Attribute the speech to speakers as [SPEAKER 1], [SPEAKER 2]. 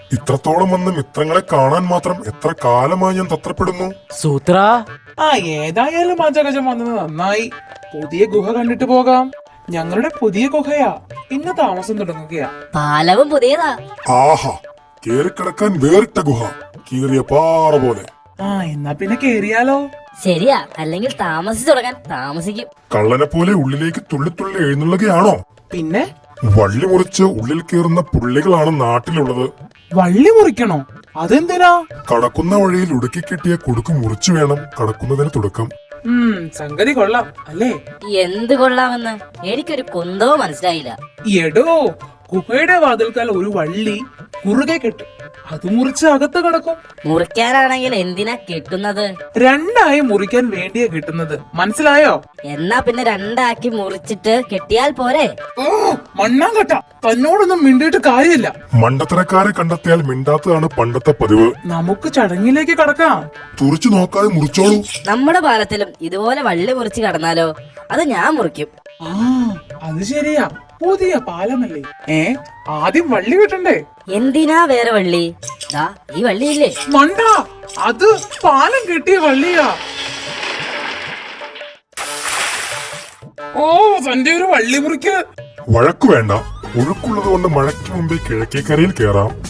[SPEAKER 1] ഇത്രത്തോളം വന്ന് മിത്രങ്ങളെ കാണാൻ മാത്രം എത്ര കാലമായി ഞാൻ തത്രപ്പെടുന്നു.
[SPEAKER 2] സൂത്ര
[SPEAKER 3] ഏതായാലും അജഗജം വന്നത് നന്നായി. പുതിയ ഗുഹ കണ്ടിട്ട് പോകാം. ഞങ്ങളുടെ പുതിയ ഗുഹയാ, ഇന്ന് താമസം തുടങ്ങുകയാ.
[SPEAKER 4] പാലവും പുതിയതാ.
[SPEAKER 1] ആഹാ, കേറിക്കിടക്കാൻ വേറിട്ട ഗുഹ, കീറിയ പാറ പോലെ.
[SPEAKER 3] എന്നാ പിന്നെ കേറിയാലോ?
[SPEAKER 4] ശരിയാ, അല്ലെങ്കിൽ താമസിച്ചു തുടങ്ങാൻ താമസിക്കും.
[SPEAKER 1] കള്ളനെ പോലെ ഉള്ളിലേക്ക് തുള്ളിത്തുള്ളി എഴുന്നള്ളുകയാണോ?
[SPEAKER 3] പിന്നെ
[SPEAKER 1] വള്ളി മുറിച്ച് ഉള്ളിൽ കയറുന്ന പുള്ളികളാണ് നാട്ടിലുള്ളത്.
[SPEAKER 3] വള്ളി മുറിക്കണോ? അതെന്തിനാ?
[SPEAKER 1] കടക്കുന്ന വഴിയിൽ ഉടുക്കി കെട്ടിയ കുടുക്ക് മുറിച്ചു വേണം കടക്കുന്നതിന് തുടക്കം.
[SPEAKER 3] സംഗതി കൊള്ളാം അല്ലേ?
[SPEAKER 4] എന്ത് കൊള്ളാമെന്ന് എനിക്കൊരു കുന്തോ മനസ്സിലായില്ല.
[SPEAKER 3] എടോ, ഗുഹയുടെ വാതിൽക്കാൽ ഒരു വള്ളി കുറുകെ കെട്ടും. അത് മുറിച്ച് അകത്ത് കിടക്കും.
[SPEAKER 4] മുറിക്കാനാണെങ്കിൽ എന്തിനാ കെട്ടുന്നത്?
[SPEAKER 3] രണ്ടായി മുറിക്കാൻ വേണ്ടിയാ കിട്ടുന്നത്, മനസ്സിലായോ?
[SPEAKER 4] എന്നാ പിന്നെ രണ്ടാക്കി മുറിച്ചിട്ട് കെട്ടിയാൽ പോരെ?
[SPEAKER 3] ഓ മണ്ണാങ്കട്ട, തന്നോടൊന്നും മിണ്ടിയിട്ട് കാര്യമില്ല.
[SPEAKER 1] മണ്ടത്തരക്കാരെ കണ്ടെത്തിയാൽ മിണ്ടാത്തതാണ് പണ്ടത്തെ പതിവ്.
[SPEAKER 3] നമുക്ക് ചടങ്ങിലേക്ക് കടക്കാം.
[SPEAKER 1] തുറച്ചു നോക്കാതെ മുറിച്ചോളൂ.
[SPEAKER 4] നമ്മുടെ പാലത്തിലും ഇതുപോലെ വള്ളി മുറിച്ച് കടന്നാലോ? അത് ഞാൻ മുറിക്കും.
[SPEAKER 3] അത് ശരിയാ, പുതിയ പാലമല്ലേ. ആദ്യം വള്ളി കിട്ടണ്ടേ?
[SPEAKER 4] എന്തിനാ വേറെ വള്ളി? ദാ ഈ വള്ളിയില്ലേ?
[SPEAKER 3] മണ്ട, അത് പാലം കിട്ടിയ വള്ളിയാ. ഓ, തന്റെ ഒരു വള്ളി മുറിക്ക്.
[SPEAKER 1] വഴക്കു വേണ്ട, ഒഴുക്കുള്ളത് കൊണ്ട് മഴയ്ക്ക് മുമ്പേ കിഴക്കേക്കരയിൽ കയറാം.